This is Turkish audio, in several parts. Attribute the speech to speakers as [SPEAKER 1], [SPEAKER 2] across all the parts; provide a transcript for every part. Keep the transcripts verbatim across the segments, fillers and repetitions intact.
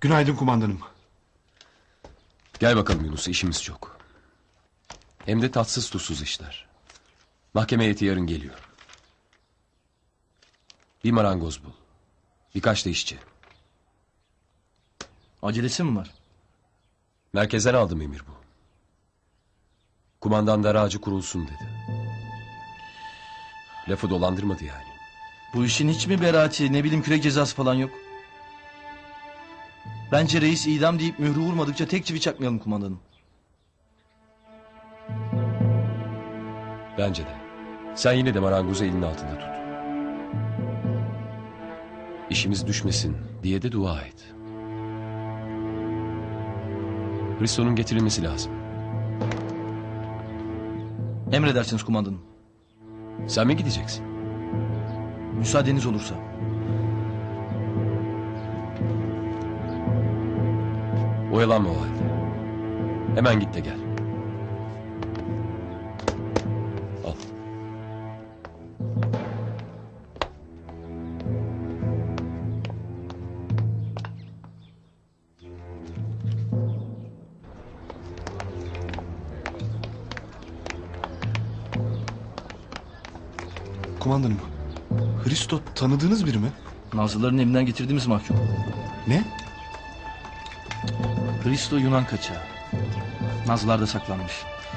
[SPEAKER 1] Günaydın kumandanım.
[SPEAKER 2] Gel bakalım Yunus, işimiz çok. Hem de tatsız tuzsuz işler. Mahkeme heyeti yarın geliyor. Bir marangoz bul. Birkaç da işçi.
[SPEAKER 3] Acelesi mi var?
[SPEAKER 2] Merkezden aldım emir bu. Kumandan dar ağacı kurulsun dedi. Lafı dolandırmadı yani.
[SPEAKER 3] Bu işin hiç mi beraati, ne bileyim kürek cezası falan yok? Bence reis idam deyip mührü vurmadıkça tek çivi çakmayalım kumandanım.
[SPEAKER 2] Bence de. Sen yine de marangozu elinin altında tut. İşimiz düşmesin diye de dua et. Hristo'nun getirilmesi lazım.
[SPEAKER 3] Emredersiniz kumandanım.
[SPEAKER 2] Sen mi gideceksin?
[SPEAKER 3] Müsaadeniz olursa.
[SPEAKER 2] Oyalanma o halde. Hemen git de gel. Al.
[SPEAKER 1] Kumandanım. Hristo tanıdığınız biri mi?
[SPEAKER 3] Nazlıların evinden getirdiğimiz mahkum.
[SPEAKER 1] Ne?
[SPEAKER 3] Hristo Yunan kaçağı. Nazlılarda saklanmış.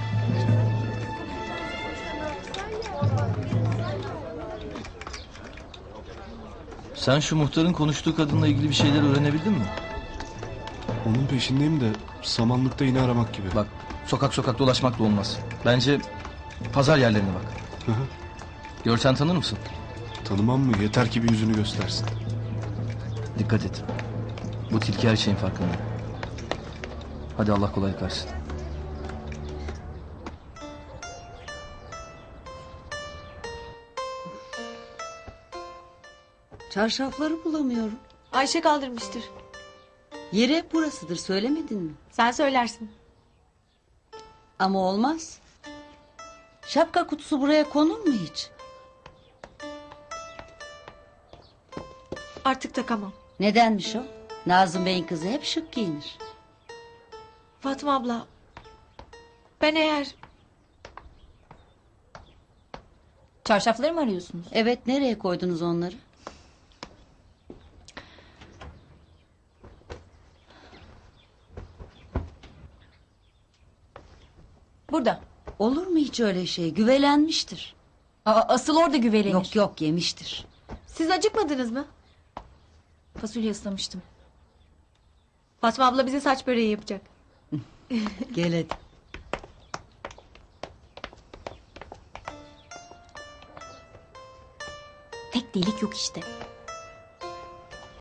[SPEAKER 3] Sen şu muhtarın konuştuğu kadınla ilgili bir şeyler öğrenebildin mi?
[SPEAKER 1] Onun peşindeyim de samanlıkta iğne aramak gibi.
[SPEAKER 3] Bak, sokak sokak dolaşmak da olmaz. Bence pazar yerlerine bak.
[SPEAKER 1] Hı hı.
[SPEAKER 3] Görsen tanır mısın?
[SPEAKER 1] Tanımam mı? Yeter ki bir yüzünü göstersin.
[SPEAKER 3] Dikkat et. Bu tilki her şeyin farkında. Hadi Allah kolaylık versin.
[SPEAKER 4] Çarşafları bulamıyorum.
[SPEAKER 5] Ayşe kaldırmıştır.
[SPEAKER 4] Yeri hep burasıdır, söylemedin mi?
[SPEAKER 5] Sen söylersin.
[SPEAKER 4] Ama olmaz. Şapka kutusu buraya konur mu hiç?
[SPEAKER 5] Artık takamam.
[SPEAKER 4] Nedenmiş o? Nazım Bey'in kızı hep şık giyinir.
[SPEAKER 5] Fatma abla. Ben eğer...
[SPEAKER 6] Çarşafları mı arıyorsunuz?
[SPEAKER 4] Evet, nereye koydunuz onları?
[SPEAKER 6] Burada.
[SPEAKER 4] Olur mu hiç öyle şey? Güvelenmiştir.
[SPEAKER 6] Aa, asıl orada güvelenir.
[SPEAKER 4] Yok yok, yemiştir.
[SPEAKER 5] Siz acıkmadınız mı?
[SPEAKER 6] Fasulye ıslamıştım.
[SPEAKER 5] Fatma abla bize saç böreği yapacak.
[SPEAKER 4] Gel hadi.
[SPEAKER 6] Tek delik yok işte.